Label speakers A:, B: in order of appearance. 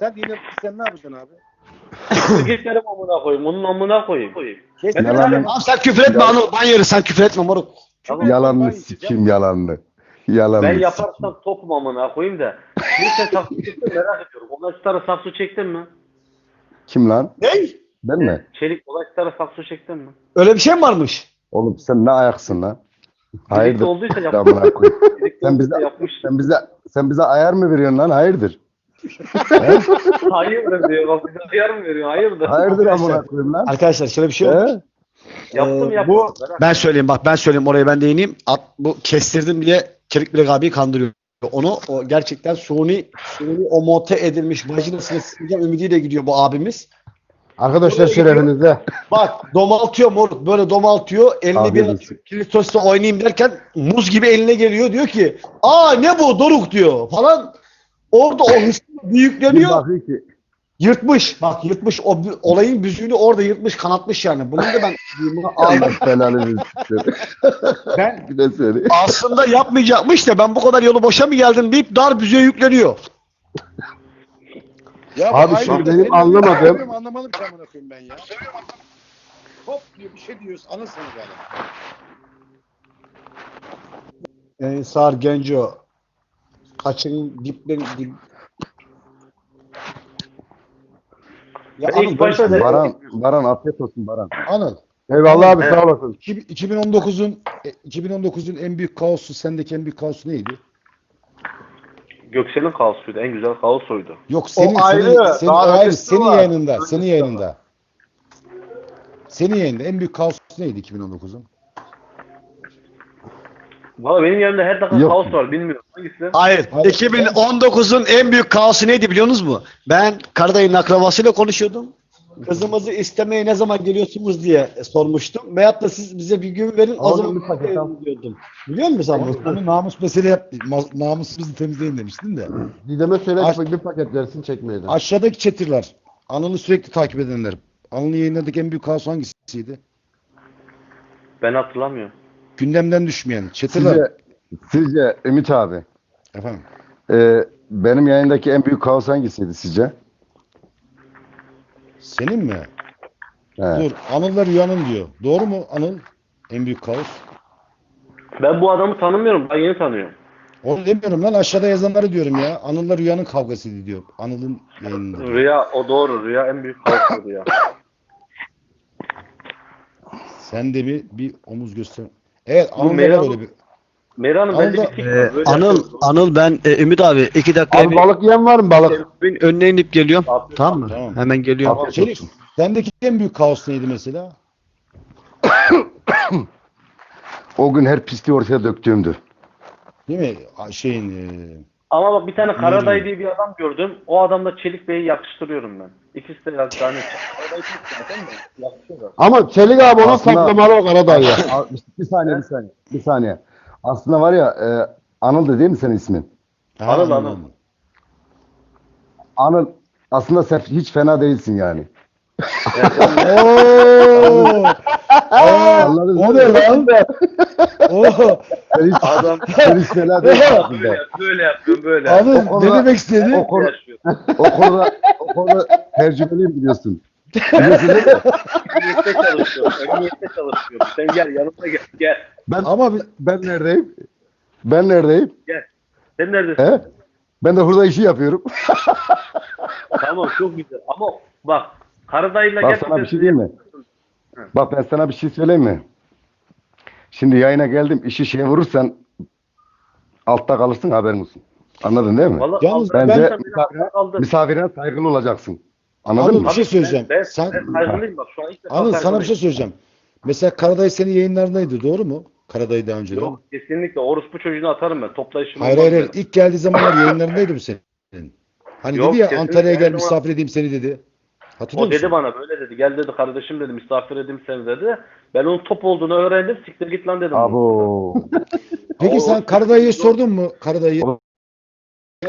A: Sen ne yapacaksın abi?
B: Geçerim amına koyayım. Onun amına koyayım.
C: Yalanını,
D: Abi sen küfür etme Anıl. Ban yeri sen küfür etme moruk.
B: Tamam.
C: yalanını sikeyim yalanını. Yalanını
B: Ben
C: sikeyim.
B: yaparsam topum amına koyayım da. Şimdi sen saksı çektin merak ediyorum. Olaştara saksı çektin mi?
C: Kim lan?
D: Ne?
C: Ben mi?
B: Çelik olaştara saksı çektin mi?
D: Öyle bir şey mi varmış?
C: Oğlum sen ne ayaksın lan?
B: Birlikte
C: Hayırdır?
B: olduysa
C: Amına koyayım.
B: Birlikte
C: Sen bize,
B: olduysa yapmış.
C: sen bize ayar mı veriyorsun lan? Hayırdır?
B: Hayırdır diyor. Bak bize ayar mı veriyor? Hayırdır.
C: Hayırdır amına koyayım lan?
D: Arkadaşlar şöyle bir şey olmuş.
C: He?
B: Yaptım yaptım.
D: Bu ben söyleyeyim bak ben söyleyeyim oraya ben değineyim. Bu kestirdim diye Çelik Bilek abiyi kandırıyor. Onu o gerçekten suni o monte edilmiş vajinasını sileceğim ümidiyle gidiyor bu abimiz.
E: Arkadaşlar şerefinizde.
D: Bak domaltıyor moruk böyle domaltıyor. Eline
C: Abi
D: bir
C: desin.
D: kilitosla oynayayım derken muz gibi eline geliyor diyor ki aa ne bu Doruk diyor falan. Orada o hırsla
C: Bir
D: büyükleniyor.
C: bakıyor ki
D: Yırtmış. Bak yırtmış. Olayın büzüğünü orada yırtmış kanatmış yani. Bunu da ben
C: Allah belanı versin.
D: ben
C: Bir de söyle.
D: aslında yapmayacakmış da ben bu kadar yolu boşa mı geldim deyip dar büzüğe yükleniyor.
A: Ya
E: Abi
A: aynı
E: şimdi
A: de
E: benim anlamadığım-
A: Anlamadım ki amına koyayım ben ya. Hop diyor bir şey diyoruz. Anasını galiba.
D: Ensar Genco. Kaçın diplerin dip. Ya
B: Ben
D: Anıl,
B: ilk başta da
C: Baran afiyet olsun Baran.
E: Anıl. Eyvallah abi
B: Evet.
E: sağ olasın.
A: 2019'un en büyük kaosu, sendeki en büyük kaosu neydi?
B: Göksel'in kaosuydu. En güzel kaos oydu.
A: Yok senin
E: ayrı,
A: senin
E: daha
A: ayrı
E: ötesi
A: senin
E: var.
A: yayınında,
E: Ötesi
A: senin
E: var.
A: yayınında. Senin yayında en büyük kaos neydi 2019'un?
B: Valla benim yerimde her dakika
C: Yok.
B: kaos var. Bilmiyorum. Hangisi?
D: Hayır.
A: Hayır.
D: 2019'un en büyük kaosu neydi biliyorsunuz mu? Ben Karadayı'nın akrabasıyla konuşuyordum. Kızımızı istemeye ne zaman geliyorsunuz diye sormuştum. Veyahut da siz bize bir gün verin o zaman
E: bir paket al.
D: diyordum. Biliyor musun sen bunu?
A: Onu namus mesele yap, namusumuzu temizleyin demiştin de.
E: Didem'e söyle
A: Aç-
E: bir paket versin çekmeyeden.
A: Aşağıdaki chatter'lar, Anıl'ı sürekli takip edenler. Anıl'ın yayınındaki en büyük kaos hangisiydi?
B: Ben hatırlamıyorum.
A: Gündemden düşmeyen chatter'lar.
C: Sizce Ümit abi
A: Efendim.
C: benim yayındaki en büyük kaos hangisiydi sizce?
A: Senin mi?
C: He.
A: Dur. Anıl'la Rüya'nın diyor. Doğru mu Anıl? En büyük kaos.
B: Ben bu adamı tanımıyorum. Ben yeni tanıyorum.
A: Onu demiyorum lan aşağıda yazanları diyorum ya. Anıl'la Rüya'nın kavgasıydı diyor. Anıl'ın yayınında.
B: Rüya o doğru. Rüya en büyük kaos oydu ya.
A: Sen de bir omuz göster. Evet
B: Bu
A: Anıl'da
B: Meral-
A: var öyle bir.
B: Meran'ın bende
A: Anıl'da-
B: bir tik var. Böyle
D: Anıl,
B: yapıyorum.
D: Anıl ben Ümit abi 2 dakika
E: Abi balık yiyen var mı balık?
D: önüne inip geliyorum.
B: Afiyet
D: Tamam mı?
A: Tamam.
D: Hemen geliyorum.
C: Afiyet
A: Çelik,
C: olsun.
A: sendeki en büyük kaos neydi mesela?
C: O gün her pisliği ortaya döktüğümdü.
A: Değil mi? Şeyin
B: Ama bak bir tane Karaday diye bir adam gördüm. O adamla Çelik Bey'i yakıştırıyorum ben. İkisi de yani Karaday çok zaten de yakışıyorlar.
E: Ama Çelik abi onu
C: Aslında-
E: saklamalı o Karadağ ya.
C: Bir saniye. Aslında var ya Anıl da değil mi senin ismin?
B: Anıl.
C: Anıl aslında sen hiç fena değilsin yani.
A: Oo!
C: Anladın
A: O
C: mı?
A: ne lan? Oo!
C: Sen hiç fena değilsin aslında.
B: Böyle yapıyorum böyle.
A: Anıl
C: O konuda-
A: ne demek istedi?
C: O konuda tecrübeliyim biliyorsun. Biliyorsun değil mi?
B: Emniyette çalışıyorum. Emniyette çalışıyorum. Sen gel yanıma gel.
A: Ama
C: Ben neredeyim? Ben neredeyim?
B: Sen neredesin?
C: He? Ben de hurda işi yapıyorum.
B: Tamam çok güzel. Ama bak Karadayı'yla
C: Bak sana bir şey diyeyim mi? Bak ben sana bir şey söyleyeyim mi? Şimdi yayına geldim işi şeye vurursan altta kalırsın haberin olsun. Anladın değil mi?
B: Vallahi
A: Yalnız
B: Allah-
C: Bence
B: ben kaldım.
C: misafirine saygılı olacaksın. Anladın
A: Anıl
C: mı?
A: bir şey söyleyeceğim.
B: Ben
A: Sen
B: saygılıyım bak şu an ilk defa
A: Anıl sana bir
B: saygılıyım.
A: şey söyleyeceğim. Mesela Karaday senin yayınlarındaydı doğru mu? Karaday daha önce.
B: Yok kesinlikle orospu çocuğunu atarım ben. Toplayışım
A: Hayır
B: olmaz
A: hayır hayır.
B: benim.
A: İlk geldiği zamanlar yayınlarındaydı mı senin? Hani
B: Yok,
A: dedi ya
B: kesinlikle
A: Antalya'ya gel
B: her zaman-
A: misafir edeyim seni dedi. Hatırlıyor
B: O dedi
A: musun?
B: bana böyle dedi. Gel dedi kardeşim dedi misafir edeyim seni dedi. Ben onun top olduğunu öğrendim. Siktir git lan dedim.
C: Abo.
A: Peki sen Karadayı'ya sordun mu? Karadayı